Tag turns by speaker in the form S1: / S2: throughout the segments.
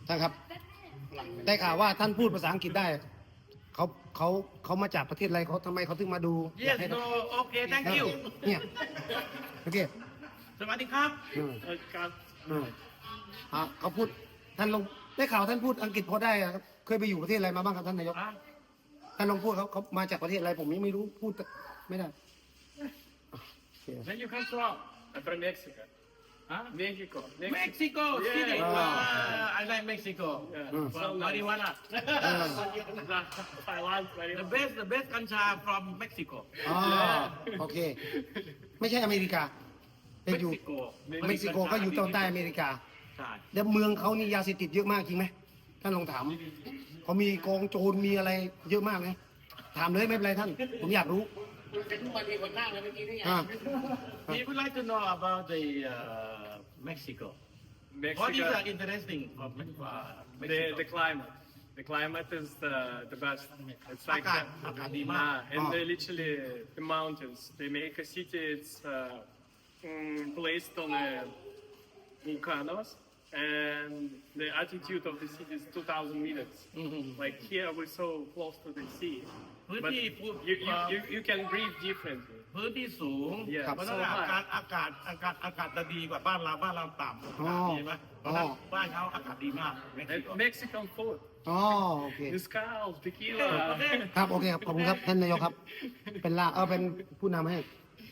S1: ท่านครับได้ข่าวว่าท่านพูดภาษาอังกฤษได้เขามาจากประเทศอะไรเขาทำไมเขาถึงมาดู
S2: Yes no okay thank you
S1: เนี่ยโอเค
S2: สวัสดีครับ
S3: ครับ
S1: เขาพูดท่านลงได้ข่าวท่านพูดอังกฤษพอได้ครับเคยไปอยู่ประเทศอะไรมาบ้างครับท่านนายกท่านลองพูดเขามาจากประเทศอะไรผมยังไม่รู้พูดไม่ได้
S3: Then you come from? I'm from Mexico. Mexico.
S2: Mexico City I like Mexico from marijuana
S3: Thailand.
S2: the best กัญชา from Mexico
S1: อ๋อโอเค ไม่ใช่อเมริกาเป็นอยู่
S3: Mexico.
S1: เม็กซิโกก็อยู่ตอนใต้อเมริกา
S2: ใช่
S1: แล้วเมืองเขานี่ยาเสพติดเยอะมากจริงไหมท่านลองถามเขามีกองโจรมีอะไรเยอะมากไหมถามเลยไม่เป็นไรท่าน ผมอยากรู้อ่า
S2: We would like to know about the Mexico What is interesting from Mexico
S3: The climate. The climate is the best. It's like
S2: อากาศดีมาก
S3: and they literally the mountains. They make a city. It's placed on the volcanoes, and the altitude of the city is 2,000 meters. Like here, we're so close to the sea,
S2: พื้น
S3: but
S2: ที่
S3: you can breathe differently.
S2: พื้นที่สูง
S3: Yeah,
S2: เพราะฉะ
S3: so
S2: นั้น
S3: high.
S2: อากาศจะดีกว่าบ้านเราต่ำอากาศดีไหมเพราะฉะนั้นบ้านเขาอากาศดีมาก
S3: And Mexican food,
S1: อ๋อโอเค
S3: mezcal, tequila.
S1: ครับโอเคครับขอบคุณครับท่านนายกครับ เป็นเป็นผู้นำให้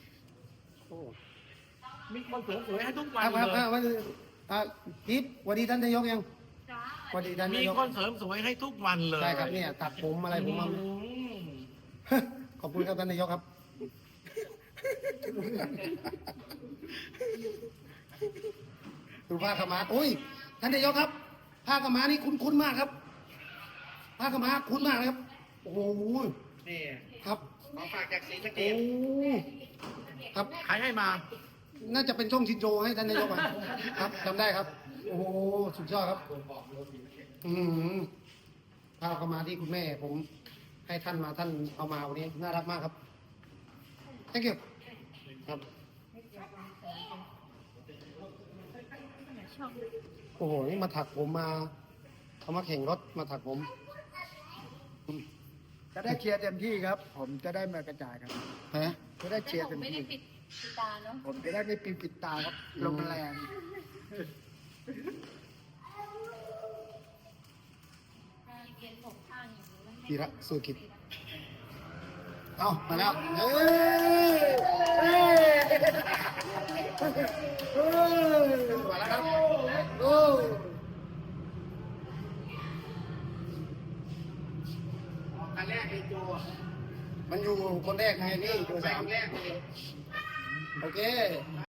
S2: มีคนสวยๆให้ทุกวั
S1: คน รับครับ
S2: เลย
S1: วันจิ๊บสวัสดีท่านนายกยังสวัสดีท่าน
S2: มี
S1: นายก
S2: คนเสริมสวยให้ทุกวันเลย
S1: ใช่ครับเนี่ยตัดผมอะไรผมมา ขอบคุณครับท่านนายกครับ ดูผ้าขาวม้าโอ้ยท่านนายกครับผ้าขาวม้านี่คุ้นๆมากครับผ้าขาวม้าคุ้นมากเลยครับโอ้โห
S2: นี่
S1: ครับ
S2: ขอฝากจากศรีสะเก
S1: โอ้
S2: ษ
S1: ครับ
S2: ใครให้มา
S1: น่าจะเป็นช่องชินโจให้ท่านนายกอ่ะครับจำได้ครับ โอ้โหสุดยอดครับผ้าขาวม้าที่คุณแม่ผมให้ท่านมาท่านเอามาวันนี้น่ารักมากครับ thank you ครับโอ้โหนี่มาถักผมมาเขามาแข่งรถมาถักผม
S4: จะได้เชียร์เต็มที่ครับ ผมจะได้มากระจายครับ
S1: ฮะ
S4: จะได้เชียร์เต็ม
S5: ไม่ได้
S4: ที่
S5: ปิดตาเนาะ
S4: ผมจะได้ไม่ปิดตาครับลมแรง
S5: เย็นผมข้างอย่างนี้มัน
S1: พีระสุกิจเอามาแล้วเฮ้ยมาแล้วครับโอ้คันแรกไอ้โจมันอยู่คนแรกไงนี่ตัวสามแรกโอเค